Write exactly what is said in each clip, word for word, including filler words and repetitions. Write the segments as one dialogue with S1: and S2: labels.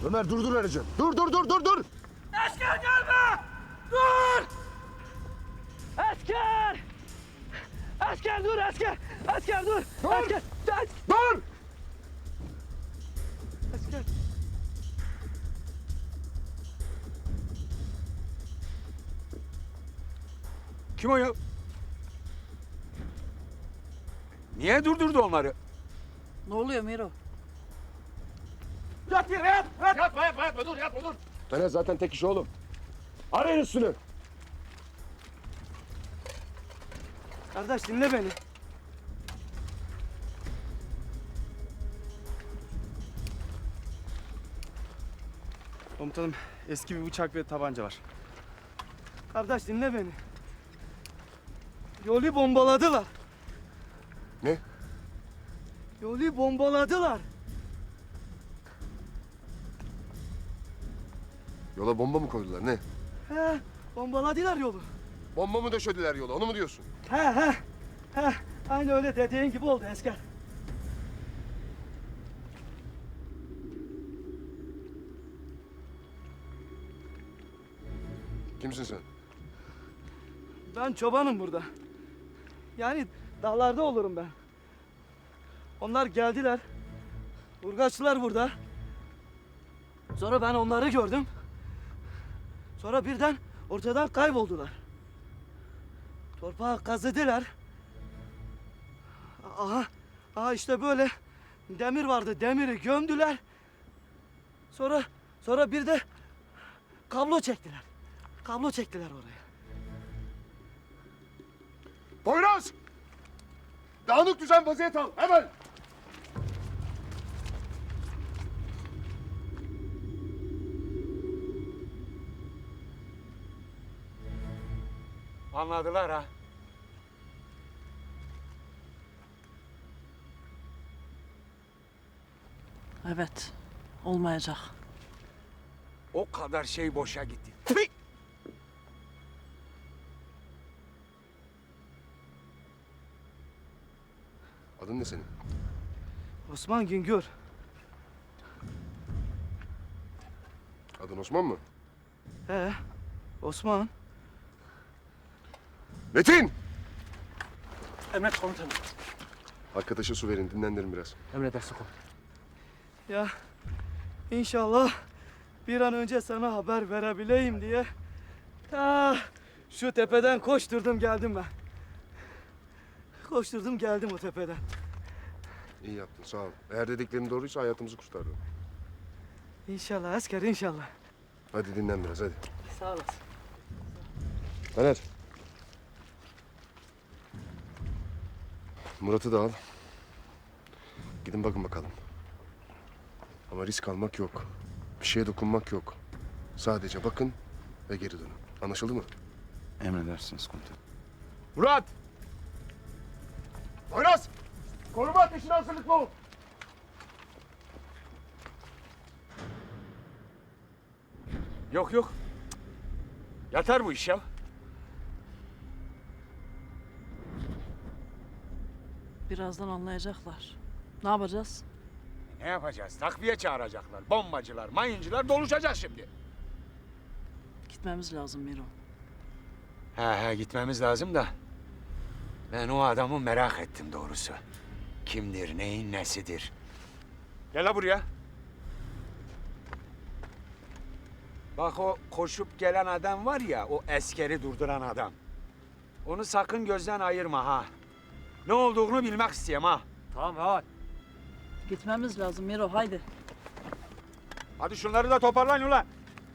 S1: Ömer durdur aracı. Dur dur dur dur dur.
S2: Asker gelme! Dur! Asker! Asker dur asker! Asker dur!
S1: Dur!
S2: Asker! Asker!
S1: Dur!
S2: Asker!
S3: Kim o ya? Niye durdurdu onları?
S4: Ne oluyor Miro?
S2: Yat yere yat! Yat!
S1: Yatma yatma yatma dur yatma dur. Fener zaten tek iş oğlum. Arayın üstünü.
S2: Kardeş dinle beni.
S5: Komutanım, eski bir bıçak ve tabanca var.
S2: Kardeş dinle beni. Yolu bombaladılar.
S1: Ne?
S2: Yolu bombaladılar.
S1: Yola bomba mı koydular ne?
S2: He, bombaladılar yolu.
S1: Bomba mı döşediler yola onu mu diyorsun?
S2: He he. He, aynı öyle dediğin gibi oldu asker.
S1: Kimsin sen?
S2: Ben çobanım burada. Yani dağlarda olurum ben. Onlar geldiler. Urgaçlılar burada. Sonra ben onları gördüm. Sonra birden ortadan kayboldular. Torpağı kazıdılar. Aha, aha işte böyle demir vardı. Demiri gömdüler. Sonra, sonra bir de kablo çektiler. Kablo çektiler oraya.
S1: Poyraz! Dağınık düzen vaziyet al hemen.
S3: Anladılar ha.
S4: Evet, olmayacak.
S3: O kadar şey boşa gitti.
S1: Adın ne senin?
S2: Osman Güngör.
S1: Adın Osman mı?
S2: He, Osman.
S1: Metin!
S5: Emret komutanım.
S1: Arkadaşa su verin dinlendirin biraz.
S5: Emredersin komutanım.
S2: Ya inşallah bir an önce sana haber verebileyim diye ta şu tepeden koşturdum geldim ben. Koşturdum geldim o tepeden.
S1: İyi yaptın sağ ol. Eğer dediklerin doğruysa hayatımızı kurtardın.
S2: İnşallah asker inşallah.
S1: Hadi dinlen biraz hadi.
S2: Sağ olasın.
S1: Fener. Murat'ı da al. Gidin bakın bakalım. Ama risk almak yok. Bir şeye dokunmak yok. Sadece bakın ve geri dönün. Anlaşıldı mı?
S5: Emredersiniz komutanım.
S1: Murat! Poyraz! Koruma ateşine hazırlıklı ol.
S3: Yok yok. Yatar bu iş ya.
S4: Birazdan anlayacaklar. Ne yapacağız?
S3: Ne yapacağız? Takviye çağıracaklar. Bombacılar, mayıncılar doluşacak şimdi.
S4: Gitmemiz lazım Miro.
S3: He he gitmemiz lazım da. Ben o adamı merak ettim doğrusu. Kimdir, neyin nesidir? Gel la buraya. Bak o koşup gelen adam var ya, o askeri durduran adam. Onu sakın gözden ayırma ha. Ne olduğunu bilmek istiyorum ha.
S5: Tamam hadi.
S4: Gitmemiz lazım Miro, haydi.
S3: Hadi şunları da toparlayın ulan.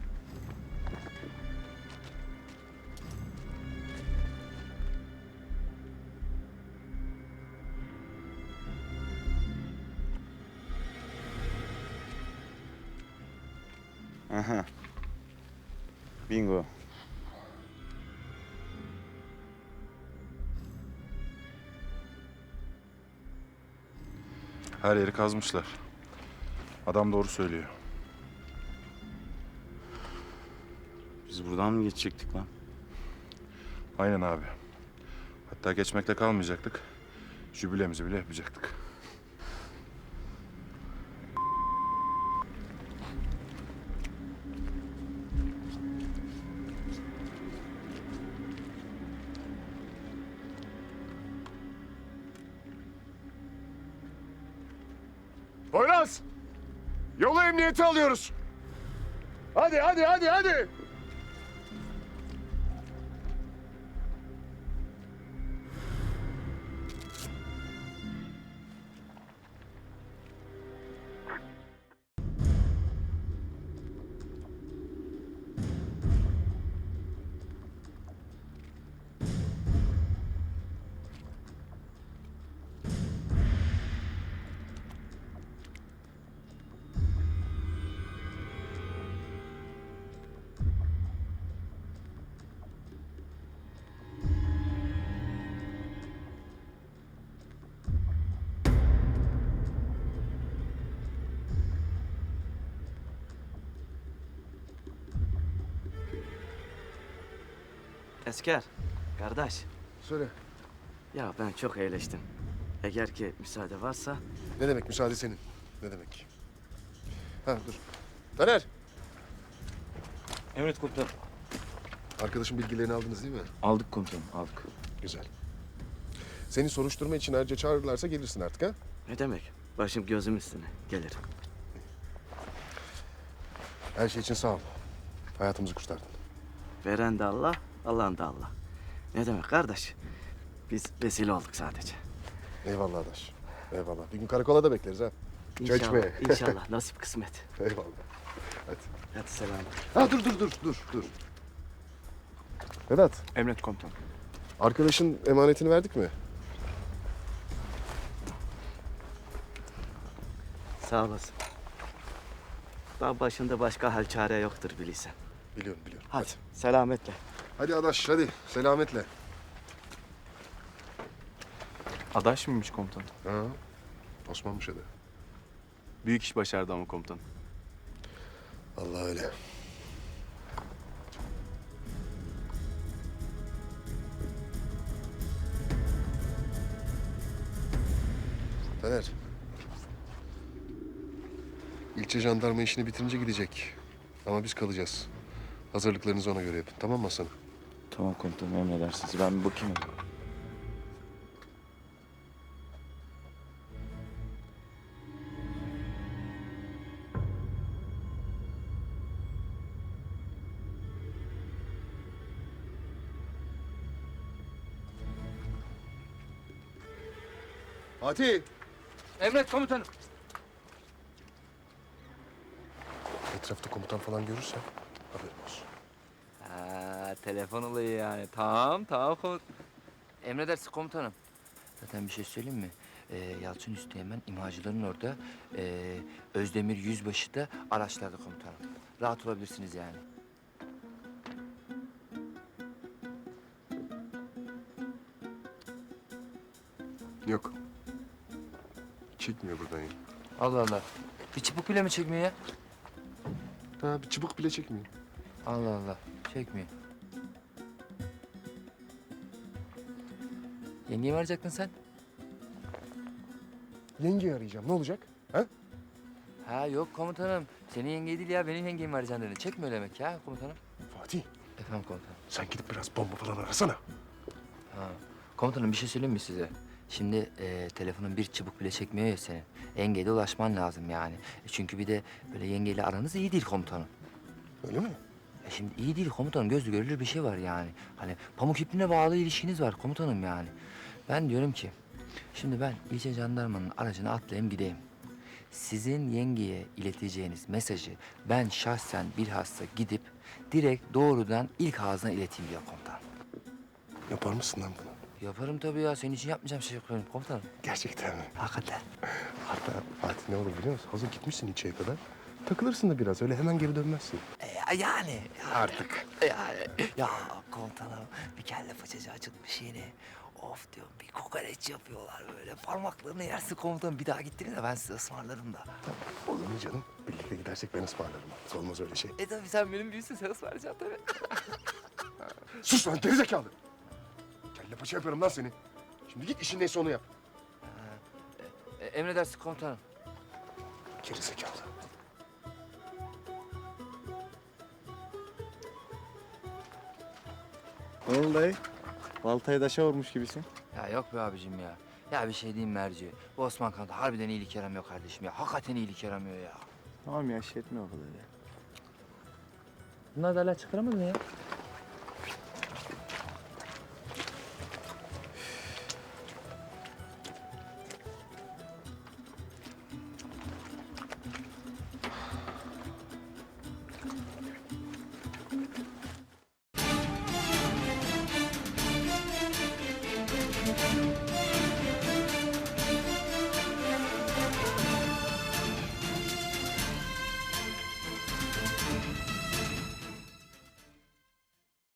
S5: Aha. Bingo.
S6: Her yeri kazmışlar. Adam doğru söylüyor.
S5: Biz buradan mı geçecektik lan?
S6: Aynen abi. Hatta geçmekle kalmayacaktık. Jübilemizi bile yapacaktık.
S1: Poyraz! Yolu emniyete alıyoruz. Hadi hadi hadi hadi.
S2: Esker, kardeş.
S1: Söyle.
S2: Ya ben çok eğleştim. Eğer ki müsaade varsa...
S1: Ne demek müsaade senin? Ne demek? Ha dur. Taner.
S5: Emret komutanım.
S1: Arkadaşın bilgilerini aldınız değil mi?
S5: Aldık komutanım, aldık.
S1: Güzel. Seni soruşturma için ayrıca çağırırlarsa gelirsin artık ha?
S2: Ne demek? Başım gözüm üstüne. Gelirim.
S1: Her şey için sağ ol. Hayatımızı kurtardın.
S2: Veren de Allah, alan da Allah. Ne demek kardeş? Biz vesile olduk sadece.
S1: Eyvallah adaş. Eyvallah. Bir gün karakola da bekleriz ha. Çay
S2: İnşallah,
S1: içmeye.
S2: inşallah. Nasip kısmet.
S1: Eyvallah. Hadi.
S2: Hadi selam.
S1: Ha dur dur dur dur dur. Vedat,
S5: Emret komutanım.
S1: arkadaşın emanetini verdik mi?
S2: Sağ olasın. Daha başında başka hal çare yoktur bilirsen.
S1: Biliyorum biliyorum.
S2: Hadi, selametle.
S1: Hadi adaş hadi selametle.
S7: Adaş mıymış komutan?
S1: Ha? Osmanmış adı.
S7: Büyük iş başardı ama komutan.
S1: Allah öyle. Taner. İlçe jandarma işini bitirince gidecek. Ama biz kalacağız. Hazırlıklarınızı ona göre yapın. Tamam mı Hasan?
S5: Tamam komutanım, emredersiniz. Ben bir bakayım.
S1: Fatih!
S8: Emret komutanım.
S1: Etrafta komutan falan görürsen haberin olsun.
S8: Ha, telefon olayı yani. Tamam, tamam komut. Emredersin komutanım. Zaten bir şey söyleyeyim mi? Ee, Yalçın Üsteğmen imhacıların orada. Ee, Özdemir Yüzbaşı da araçlarda komutanım. Rahat olabilirsiniz yani.
S1: Yok. Çekmiyor buradan ya.
S8: Allah Allah. Bir çubuk bile mi çekmiyor ya?
S1: Ha bir çubuk bile çekmiyor.
S8: Allah Allah. Çekmiyor. Yengeyi mi arayacaktın sen?
S1: Yengeyi arayacağım. Ne olacak? Ha?
S8: Ha yok komutanım. Senin yengeyi değil ya. Benim yengemi arayacaksın dedi. Çekmiyor demek ya komutanım.
S1: Fatih
S8: Efendim komutanım.
S1: sen gidip biraz bomba falan arasana.
S8: Ha. Komutanım bir şey söyleyeyim mi size? Şimdi e, telefonun bir çubuk bile çekmiyor ya senin. Yengeyle ulaşman lazım yani. E, çünkü bir de böyle yengeyle aranız iyi değil komutanım.
S1: Öyle mi?
S8: E şimdi iyi değil komutanım. Gözle görülür bir şey var yani. Hani pamuk ipliğine bağlı ilişkiniz var komutanım yani. Ben diyorum ki, şimdi ben ilçe jandarmanın aracına atlayayım gideyim. Sizin yengeye ileteceğiniz mesajı ben şahsen bilhassa gidip direkt doğrudan ilk ağzına ileteyim diyor komutanım.
S1: Yapar mısın lan bunu?
S8: Yaparım tabii ya. Senin için yapmayacağım şey yok benim komutanım.
S1: Gerçekten mi?
S8: Hakikaten.
S1: Hatta Fatih ne olur biliyor musun? Hazır gitmişsin ilçeye kadar. Takılırsın da biraz. Öyle hemen geri dönmezsin.
S8: E, yani.
S1: Artık.
S8: Yani. Ya komutanım bir kelle paçacı açılmış yeni. Of diyorum bir kokoreç yapıyorlar böyle. Parmaklarını yersin komutanım. Bir daha gittiğinde ben size ısmarlarım da.
S1: Olur mu canım? Birlikte gidersek ben ısmarlarım. Olmaz öyle şey.
S8: E tabii sen benim büyüsün sen ısmarlayacaksın tabii.
S1: Sus lan gerizekalı. Kelle paça yapıyorum lan seni. Şimdi git işin neyse onu yap.
S8: E, emredersin komutanım.
S1: Gerizekalı.
S7: Ne oldu dayı? Baltayı daşa vurmuş gibisin.
S8: Ya yok be abicim ya. Ya bir şey diyeyim mi Merci? Bu Osman Kanat harbiden iyilik yaramıyor kardeşim ya. Hakikaten iyilik yaramıyor ya.
S7: Tamam ya şey etme o kadar ya.
S8: Bunlar da hala çıkaramadın ya.